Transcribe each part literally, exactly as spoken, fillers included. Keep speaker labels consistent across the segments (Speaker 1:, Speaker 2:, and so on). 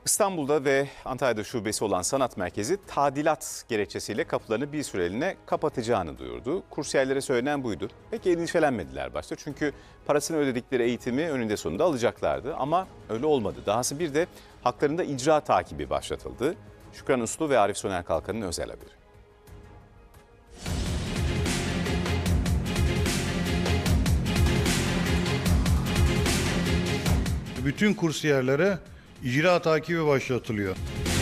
Speaker 1: İstanbul'da ve Antalya'da şubesi olan sanat merkezi tadilat gerekçesiyle kapılarını bir süreliğine kapatacağını duyurdu. Kursiyerlere söylenen buydu. Pek endişelenmediler başta çünkü parasını ödedikleri eğitimi önünde sonunda alacaklardı ama öyle olmadı. Dahası bir de haklarında icra takibi başlatıldı. Şükran Uslu ve Arif Soner Kalkan'ın özel haberi.
Speaker 2: Bütün kursiyerlere icra takibi başlatılıyor.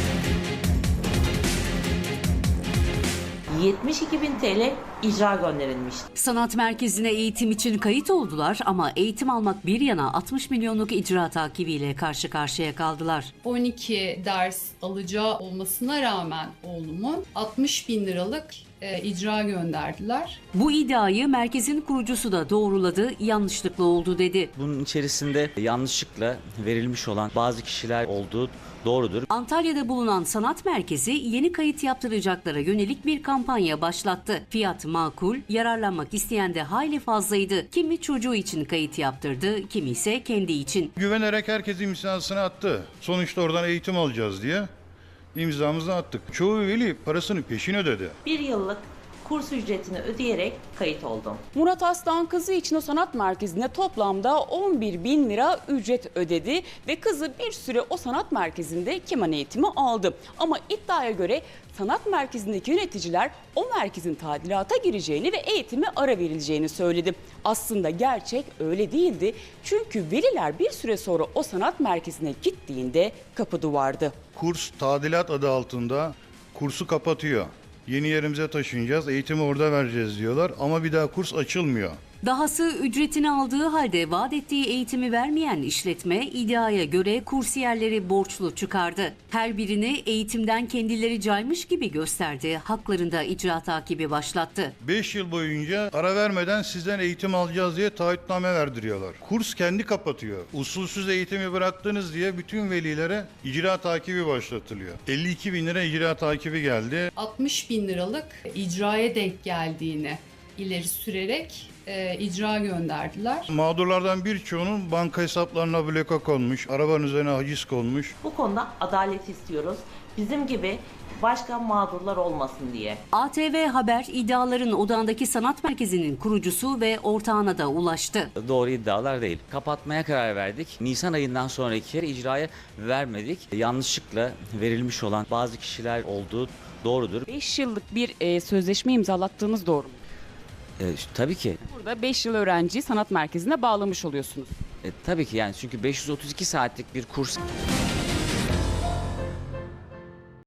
Speaker 3: yetmiş iki bin T L icra gönderilmişti.
Speaker 4: Sanat merkezine eğitim için kayıt oldular ama eğitim almak bir yana altmış milyonluk icra takibiyle karşı karşıya kaldılar.
Speaker 5: on iki ders alacağı olmasına rağmen oğlumun altmış bin liralık e, icra gönderdiler.
Speaker 4: Bu iddiayı merkezin kurucusu da doğruladı, yanlışlıkla oldu dedi.
Speaker 6: Bunun içerisinde yanlışlıkla verilmiş olan bazı kişiler olduğu doğrudur.
Speaker 4: Antalya'da bulunan sanat merkezi yeni kayıt yaptıracaklara yönelik bir kampanya başlattı. Fiyat makul, yararlanmak isteyen de hayli fazlaydı. Kimi çocuğu için kayıt yaptırdı, kimi ise kendi için.
Speaker 2: Güvenerek herkes imzasını attı. Sonuçta oradan eğitim alacağız diye imzamızı attık. Çoğu veli parasını peşin ödedi.
Speaker 3: Bir yıllık kurs ücretini ödeyerek kayıt oldum.
Speaker 7: Murat Aslan kızı için o sanat merkezine toplamda on bir bin lira ücret ödedi ve kızı bir süre o sanat merkezinde keman eğitimi aldı. Ama iddiaya göre sanat merkezindeki yöneticiler o merkezin tadilata gireceğini ve eğitime ara verileceğini söyledi. Aslında gerçek öyle değildi. Çünkü veliler bir süre sonra o sanat merkezine gittiğinde kapı duvardı.
Speaker 2: Kurs tadilat adı altında kursu kapatıyor. Yeni yerimize taşınacağız, eğitimi orada vereceğiz diyorlar ama bir daha kurs açılmıyor.
Speaker 4: Dahası ücretini aldığı halde vaat ettiği eğitimi vermeyen işletme iddiaya göre kursiyerleri borçlu çıkardı. Her birini eğitimden kendileri caymış gibi gösterdi. Haklarında icra takibi başlattı.
Speaker 2: beş yıl boyunca ara vermeden sizden eğitim alacağız diye taahhütname verdiriyorlar. Kurs kendi kapatıyor. Usulsüz eğitimi bıraktınız diye bütün velilere icra takibi başlatılıyor. elli iki bin lira icra takibi geldi.
Speaker 5: altmış bin liralık icraya denk geldiğini ileri sürerek e, icra gönderdiler.
Speaker 2: Mağdurlardan birçoğunun banka hesaplarına bloka konmuş, arabanın üzerine haciz konmuş.
Speaker 3: Bu konuda adalet istiyoruz. Bizim gibi başka mağdurlar olmasın diye.
Speaker 4: A T V Haber iddiaların odağındaki sanat merkezinin kurucusu ve ortağına da ulaştı.
Speaker 6: Doğru iddialar değil. Kapatmaya karar verdik. Nisan ayından sonraki icraya vermedik. Yanlışlıkla verilmiş olan bazı kişiler olduğu doğrudur.
Speaker 7: beş yıllık bir e, sözleşme imzalattığınız doğru mu?
Speaker 6: E, tabii ki.
Speaker 7: Burada beş yıl öğrenciyi sanat merkezine bağlamış oluyorsunuz.
Speaker 6: E, tabii ki yani çünkü beş yüz otuz iki saatlik bir kurs.